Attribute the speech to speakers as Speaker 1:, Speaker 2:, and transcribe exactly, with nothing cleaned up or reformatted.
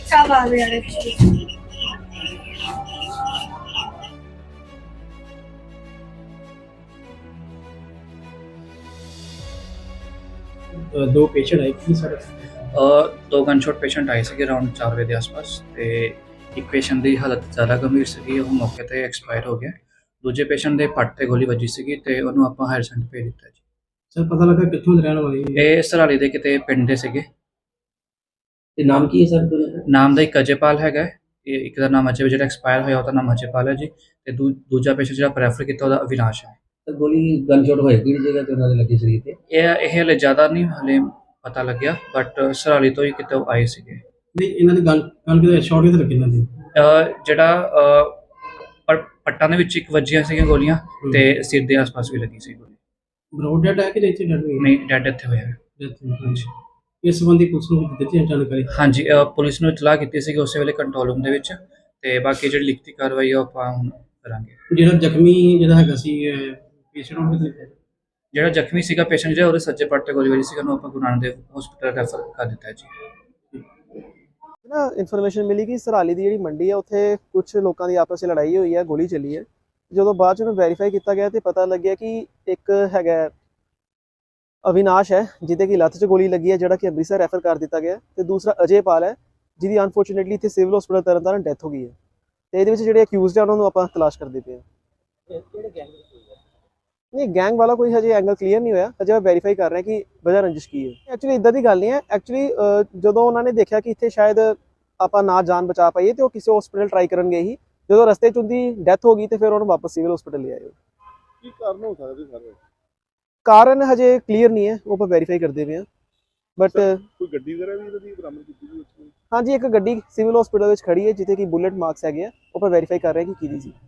Speaker 1: शाहबाज वाले
Speaker 2: दो पेशेंट आए कि सर
Speaker 3: दो गनशॉट पेशेंट आए थे अराउंड चार बजे के आसपास तो एक पेशेंट की हालत ज़्यादा गंभीर सी, वो मौके पर एक्सपायर हो गया। दूजे पेशेंट के पट से गोली वजी सी तो उन्होंने आप हायर सेंटर भेज दिता जी।
Speaker 2: सर पता लगा कितों दे रहने वाले
Speaker 3: ये सराली के किते पिंड दे सीगे।
Speaker 2: ते नाम की है सर दोनों का?
Speaker 3: नाम का एक अजयपाल है, एक का नाम अजय जो एक्सपायर होया उसका नाम अजयपाल है जी। तो दू, दूजा पेशेंट जो प्रैफर किया उसका अविनाश है।
Speaker 2: सर गोली गनशॉट होई किहड़ी जगह ते उन्होंने लगी शरीर ते?
Speaker 3: ये ये हले ज़्यादा नहीं हले पता लग्या, बट सराली तो ही कितों आए सीगे।
Speaker 2: नहीं इन्हों ने गन गन किते शॉट किते लगे इन्हों दी?
Speaker 3: ਜਿਹੜਾ ਪਰ ਪੱਟਾਂ ਦੇ ਵਿੱਚ ਇੱਕ ਵੱਜੀਆਂ ਸੀਗੀਆਂ ਗੋਲੀਆਂ ਤੇ ਸਿਰ ਦੇ ਆਸ-ਪਾਸ ਵੀ ਲੱਗੀ ਸੀ ਗੋਲੀ।
Speaker 2: ਬਰੋਡ ਡੈਡ ਹੈ ਕਿ ਇੱਥੇ ਡੈਡ ਹੋਈ?
Speaker 3: ਨਹੀਂ, ਡੈਡ ਇੱਥੇ ਹੋਇਆ ਹੈ।
Speaker 2: ਹਾਂਜੀ। ਇਸ ਸੰਬੰਧੀ ਪੁਲਿਸ ਨੂੰ ਦਿੱਤੀ ਜਾਣਕਾਰੀ?
Speaker 3: ਹਾਂਜੀ, ਅ, ਪੁਲਿਸ ਨੂੰ ਇਤਲਾਹ ਕੀਤੀ ਸੀ ਕਿ ਉਸੇ ਵੇਲੇ ਕੰਟਰੋਲ ਰੂਮ ਦੇ ਵਿੱਚ, ਤੇ ਬਾਕੀ ਜਿਹੜੀ ਲਿਖਤੀ ਕਾਰਵਾਈ ਆ ਉਹ ਆਪਾਂ ਹੁਣ ਕਰਾਂਗੇ।
Speaker 2: ਜਿਹੜਾ ਜ਼ਖਮੀ ਜਿਹੜਾ ਹੈਗਾ ਸੀ ਪੇਸ਼ੈਂਟ ਨੂੰ ਕਿਤੇ
Speaker 3: ਜਿਹੜਾ ਜ਼ਖਮੀ ਸੀਗਾ ਪੇਸ਼ੈਂਟ ਜਿਹੜਾ ਉਹਦੇ ਸੱਜੇ ਪੱਟ ਤੇ ਗੋਲੀ ਵੱਜੀ ਸੀ, ਉਹਨੂੰ ਆਪਾਂ ਗੁਰੂ ਨਾਨਕ ਦੇਵ ਹਸਪੀਟਲ ਰੈਫਰ ਕਰ ਦਿੱਤਾ ਹੈ ਜੀ।
Speaker 4: ना इन्फॉर्मेशन मिली कि सराली की जी मंडी है उत्थे कुछ लोगों की आपस में लड़ाई हुई है, गोली चली है। जो बाद में वैरीफाई किया गया तो पता लगे कि एक है अविनाश है जिदे की लत्त च गोली लगी है, जोड़ा कि अमृतसर रैफर कर दिया गया। तो दूसरा अजयपाल है जिसकी अनफॉर्चुनेटली इतने civil hospital Tarn Taran death हो गई है। तो ये जो अक्यूज है उन्होंने आप तलाश करते पे नहीं, गैंग वाला कोई हजे एंगल क्लीयर नहीं होया, हजे वैरीफाई कर रहे हैं कि वजह रंजिश की है। एक्चुअली इदा की गल नहीं है। एक्चुअली जो उन्होंने देखा कि इतने शायद आप ना जान बचा पाइए तो किसी हॉस्पिटल ट्राई कर गए ही, जो रस्ते च उनकी डैथ हो गई तो फिर उन्होंने वापस सिविल हॉस्पिटल ले आए।
Speaker 5: ਕੀ ਕਾਰਨ ਹੋ ਸਕਦੇ ਸਰ?
Speaker 4: कारण हजे क्लीयर नहीं है, वो आप वैरीफाई करते पे हैं। बट
Speaker 5: ਕੋਈ ਗੱਡੀ ਵਗੈਰਾ ਵੀ ਇਹਨਾਂ ਦੀ ਬਰਾਮਦ ਕੀਤੀ ਗਈ?
Speaker 4: हाँ जी, एक गड्डी सिविल हॉस्पिटल खड़ी है जिते कि बुलेट मार्क्स है, वो आप वैरीफाई कर रहे हैं कि की सी।